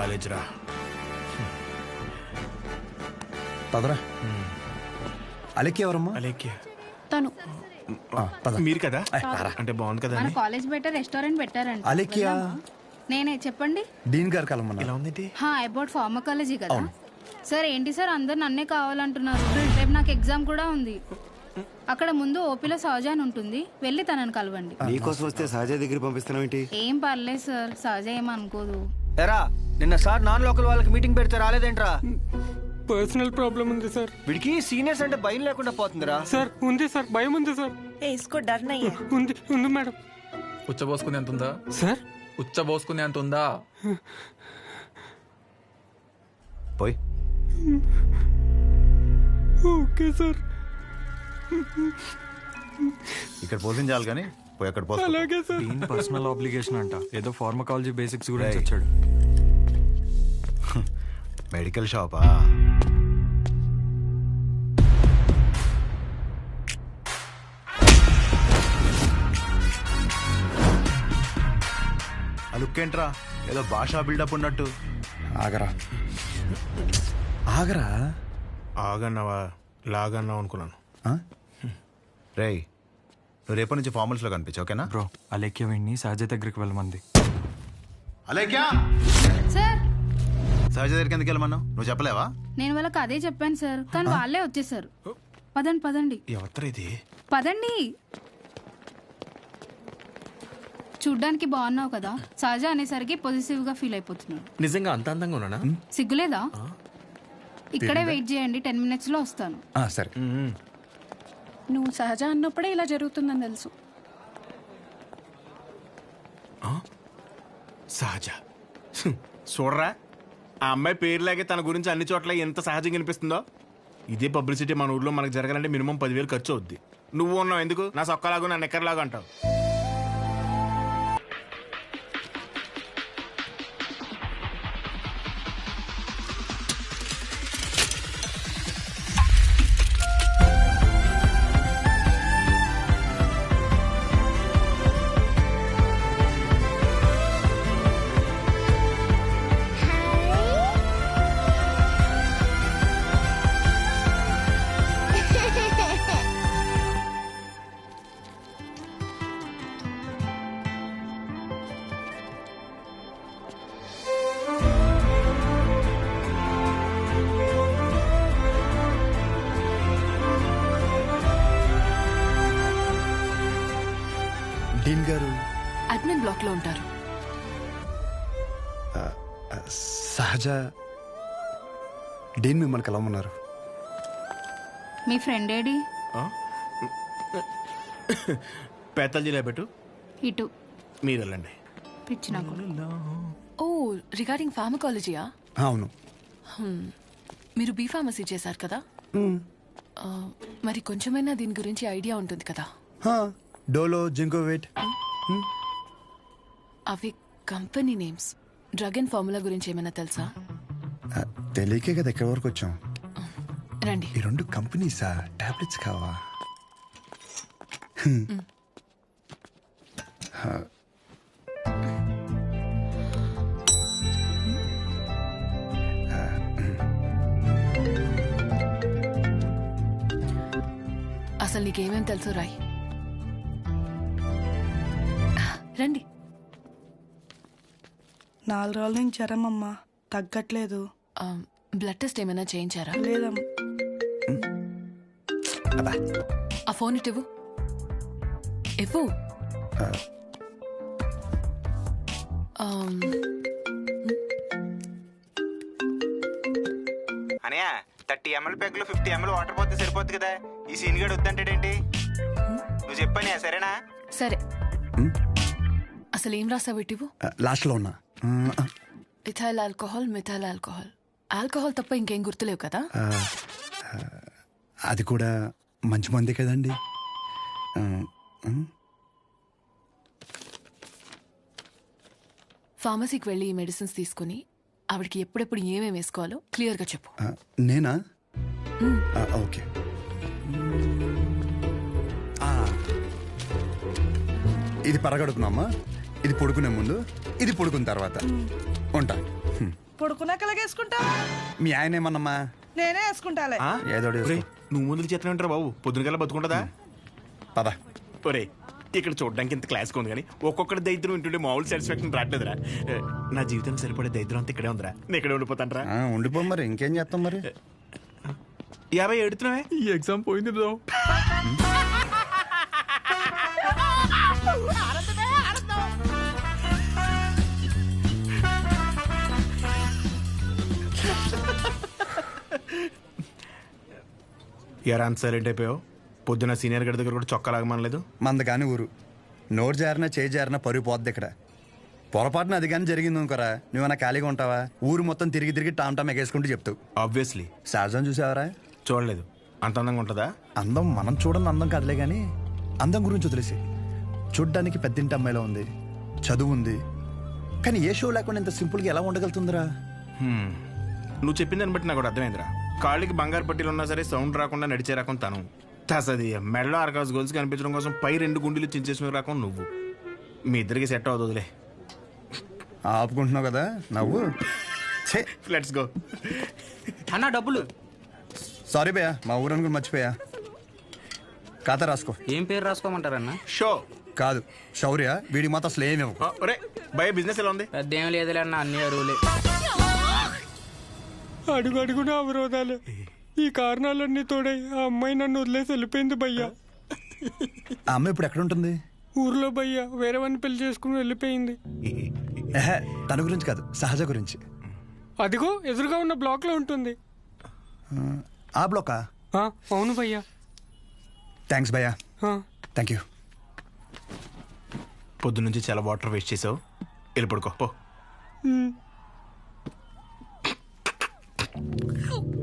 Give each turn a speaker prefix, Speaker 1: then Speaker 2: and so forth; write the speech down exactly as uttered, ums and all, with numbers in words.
Speaker 1: College రా.
Speaker 2: పదరా. అలెక్కి ఎవరమ్మా?
Speaker 1: అలేఖ్య
Speaker 3: తను
Speaker 1: మీరు కదా? అంటే బాగుంది కదా
Speaker 3: మన కాలేజ్ బయట రెస్టారెంట్ పెట్టారంట.
Speaker 2: అలెక్కియా?
Speaker 3: నేనే చెప్పండి.
Speaker 2: డీన్ గారు కలమన్నా.
Speaker 1: ఎలా ఉందేంటి?
Speaker 3: హా అబౌట్ ఫార్మకాలజీ కదా సార్. ఏంటి సార్ అందరు నన్నే కావాలంటున్నారు. రేపు నాకు ఎగ్జామ్ కూడా ఉంది. అక్కడ ముందు ఓపీలో సహజ అని ఉంటుంది, వెళ్ళి తనని కలవండి.
Speaker 4: నీకోసం వస్తే సహజ దగ్గర పంపిస్తున్నావు ఏంటి?
Speaker 3: ఏం పర్లేదు సార్, సహజ ఏమనుకోదు.
Speaker 5: ఎరా నిన్న సార్ నాన్ లోకల్ వాళ్ళకి మీటింగ్ పెడితే రాలేదేంట్రా?
Speaker 6: పర్సనల్ ప్రాబ్లం ఉంది సార్.
Speaker 5: వీడికి సీనియర్స్ అంటే భయం లేకుండా పోతుందిరా.
Speaker 6: సార్ ఉంది సార్, భయం ఉంది సార్.
Speaker 7: ఏ ఇస్కో డర్ నహీ హై.
Speaker 6: ఉంది ఉంది మేడం.
Speaker 8: ఉచ్చబోసుకునే అంత ఉందా
Speaker 6: సార్?
Speaker 8: ఉచ్చబోసుకునే అంత ఉందా?
Speaker 2: పోయి.
Speaker 6: Okay sir.
Speaker 2: ఇక్కడ పోషించాలి కానీ పోయి అక్కడ పోతా.
Speaker 6: అలాగే సార్.
Speaker 9: దీని పర్సనల్ ఆబ్లిగేషన్ అంట. ఏదో ఫార్మకాలజీ బేసిక్స్ గురించి వచ్చాడు.
Speaker 2: మెడికల్ షాపా? ఆ లుక్ ఏంట్రా, ఏదో భాషా బిల్డప్ ఉన్నట్టు. ఆగరా ఆగరా.
Speaker 1: ఆగన్నావా లాగన్నావు అనుకున్నాను.
Speaker 2: రేయ్, నువ్వు రేపటి నుంచి ఫార్మల్స్ లో కనిపించు, ఓకేనా?
Speaker 9: బ్రో అలేఖ్య వీడిని సహజ దగ్గరికి వెళ్ళమంది.
Speaker 2: అలేఖ్యా?
Speaker 3: సార్
Speaker 2: సహజ దగ్గరికి ఎందుకు వెళ్ళమన్నావు? నువ్వు చెప్పలేవా?
Speaker 3: నేను వాళ్ళకి అదే చెప్పాను సార్, కానీ వాళ్ళే వచ్చేసారు. పదండి పదండి
Speaker 1: ఎవరు ఇది?
Speaker 3: పదండి. చూడ్డానికి బాగున్నావు కదా, సహజ అనేసరికి పొజిటివ్ గా ఫీల్ అయిపోతున్నాడు.
Speaker 1: నిజంగా అంత అందంగా ఉన్నానా?
Speaker 3: సిగ్గులేదా? ఇక్కడే వెయిట్ చేయండి, టెన్ మినిట్స్ లో వస్తాను.
Speaker 2: సరే.
Speaker 7: నువ్వు సహజ అన్నప్పుడే ఇలా జరుగుతుందని తెలుసు.
Speaker 1: సహజ చూడరా, ఆ అమ్మాయి పేరులాగే తన గురించి అన్ని చోట్ల ఎంత సహజంగా అనిపిస్తుందో. ఇదే పబ్లిసిటీ మన ఊర్లో మనకు జరగాలంటే మినిమం పదివేలు ఖర్చు అవుద్ది. నువ్వు ఉన్నావు ఎందుకు? నా సొక్కలాగా నా నెక్కర్లాగా అంటావు.
Speaker 2: డీన్ గారు
Speaker 7: అడ్మిన్ బ్లాక్ లో ఉంటారు.
Speaker 2: సహజ డీన్ మిమ్మల్ని కలవమన్నారు.
Speaker 3: మీ ఫ్రెండ్ ఏడి?
Speaker 1: పేతల జిల్లా పెట్టు,
Speaker 3: ఇటు
Speaker 1: మీరు వెళ్ళండి.
Speaker 3: పిచ్చి నాకు.
Speaker 7: ఓ రిగార్డింగ్ ఫార్మకాలజీయా?
Speaker 2: అవును.
Speaker 7: మీరు బీ ఫార్మసీ చేశారు కదా, మరి కొంచెమైనా దీని గురించి ఐడియా ఉంటుంది కదా.
Speaker 2: డోలో, జింకోవేట్.
Speaker 7: అవి company names. Drug and formula గురించి ఏమైనా తెలుసా?
Speaker 2: తెలియకే కదా ఎక్కడి వరకు వచ్చాం.
Speaker 7: రండి.
Speaker 2: ఈ రెండు కంపెనీసా? టాబ్లెట్స్ కావా?
Speaker 7: అసలు నీకేమేం తెలుసు రాయ్. రండి.
Speaker 10: నాలుగు రోజుల నుంచి జ్వరం అమ్మా, తగ్గట్లేదు.
Speaker 7: బ్లడ్ టెస్ట్ ఏమైనా చేయించారా?
Speaker 10: లేదమ్మా.
Speaker 7: ఆ ఫోన్ ఇటు ఇవ్వు. ఇవ్వు.
Speaker 5: అనయా థర్టీ ఎంఎల్ పెగ్ లో ఫిఫ్టీ ఎంఎల్ వాటర్ పోతే సరిపోద్ది కదా. ఈ సీన్ గడు వద్దంటాడేంటి? నువ్వు చెప్పానే సరేనా?
Speaker 7: సరే. అసలు ఏం రాసావు? ఇటు ఇవ్వు.
Speaker 2: లాస్ట్ లో ఉన్నా.
Speaker 7: Ethyl alcohol, methyl alcohol. Alcohol తప్ప ఇంకేం గుర్తులేవు కదా?
Speaker 2: అది కూడా మంచి మందే కదండి.
Speaker 7: ఫార్మసీకి వెళ్ళి ఈ మెడిసిన్స్ తీసుకుని ఆవిడకి ఎప్పుడెప్పుడు ఏమేమి వేసుకోవాలో క్లియర్గా చెప్పు.
Speaker 2: నేనా? ఓకే. ఇది పరగడుపునమ్మా, ఇది పడుకునే ముందు, ఇది పడుకున్న తర్వాత. ఉంటా.
Speaker 10: పడుకున్నాక వేసుకుంటా
Speaker 4: మీ ఆయన ఏమన్నమ్మా?
Speaker 10: నేనే వేసుకుంటాలే.
Speaker 1: ఆ?
Speaker 4: ఏదో ఒకటి
Speaker 1: ఒరేయ్,
Speaker 4: వేసుకో.
Speaker 1: నువ్వు ముందుకు చేతనే ఉంటారా బాబు? పొద్దున కల్లా బతుకుంటుందా?
Speaker 4: పద.
Speaker 1: ఒరే ఇక్కడ చూడడానికి ఇంత క్లాస్ ఉంది కానీ ఒక్కొక్కటి దరిద్రం వింటుంటే మామూలు సాటిస్ఫాక్షన్ రావట్లేదురా. నా జీవితానికి సరిపడే దరిద్రం అంతా ఇక్కడే ఉందిరా. నేను ఇక్కడే ఉండిపోతాను రా.
Speaker 4: ఆ, ఉండిపో మరి, ఇంకేం చేస్తాం మరి.
Speaker 1: యాభై ఎడుతున్నావే.
Speaker 8: ఈ ఎగ్జామ్ పోయింది బ్రో.
Speaker 1: ఎరా అంత సైలెంట్ అయిపోయావు? పొద్దున సీనియర్ గడి దగ్గర కూడా చొక్కా లాగమనలేదు.
Speaker 4: మంద కాని ఊరు, నోరు జారినా చేయి జారినా పరుగు పోద్ది ఇక్కడ. పొరపాటున అది కానీ జరిగింది అనుకోరా, నువ్వన్నా ఖాళీగా ఉంటావా? ఊరు మొత్తం తిరిగి తిరిగి టామ్ టామ్ ఎగేసుకుంటూ చెప్తావు.
Speaker 1: ఆబ్వియస్లీ.
Speaker 4: సహజం చూసావరా?
Speaker 1: చూడలేదు. అంత అందంగా ఉంటుందా?
Speaker 4: అందం మనం చూడని అందం కాదులే కానీ అందం గురించి వదిలేసి, చూడ్డానికి పెద్దింటి అమ్మాయిలో ఉంది, చదువు ఉంది, కానీ ఏ షో లేకుండా ఇంత సింపుల్గా ఎలా ఉండగలుగుతుందిరా?
Speaker 1: హ్మ్. నువ్వు చెప్పిన దాన్ని బట్టి నాకు ఒకటి అర్థమైందిరా. కాళ్ళకి బంగారు పట్టీలు ఉన్నా సరే సౌండ్ రాకుండా నడిచే రకం తను. తసది మెడలో ఆర్కాస్ గోల్స్ కనిపించడం కోసం పై రెండు గుండెలు చించేసిన రకం నువ్వు. మీ ఇద్దరికి సెట్ అవుతుందిలే.
Speaker 4: ఆపుకుంటున్నావు కదా నవ్వు.
Speaker 1: Let's go.
Speaker 5: అన్న డబ్బులు.
Speaker 4: సారీ భయ్యా, మా ఊరని కూడా మర్చిపోయా. ఖాతా రాసుకో.
Speaker 5: ఏం పేరు రాసుకోమంటారన్న?
Speaker 1: షో.
Speaker 4: కాదు శౌర్య, వీడికి మాత్రం అసలు ఏమేమి.
Speaker 1: ఒరే భయ బిజినెస్ ఎలా ఉంది?
Speaker 5: పెద్ద ఏం లేదులే అన్న, అన్ని అరువులే.
Speaker 6: అడుగు అడుగున అవరోధాలే. ఈ కారణాలన్నీ తోడై ఆ అమ్మాయి నన్ను వదిలేసి వెళ్ళిపోయింది భయ్యా.
Speaker 4: ఆ అమ్మాయి ఇప్పుడు ఎక్కడ ఉంటుంది?
Speaker 6: ఊర్లో భయ్యా వేరే వాడిని పెళ్లి చేసుకుని వెళ్ళిపోయింది.
Speaker 4: ఎహె, తన గురించి కాదు, సహజ గురించి.
Speaker 6: అదిగో ఎదురుగా ఉన్న బ్లాక్ లో ఉంటుంది.
Speaker 4: ఆ బ్లాకా?
Speaker 6: ఆ, అవును భయ్యా.
Speaker 4: థ్యాంక్స్ భయ్యా.
Speaker 6: ఆ.
Speaker 4: Thank you.
Speaker 1: పొద్దు నుంచి చాలా వాటర్ వేస్ట్ చేసావు. వెళ్ళి పడుకో పో.
Speaker 6: ఉమ్.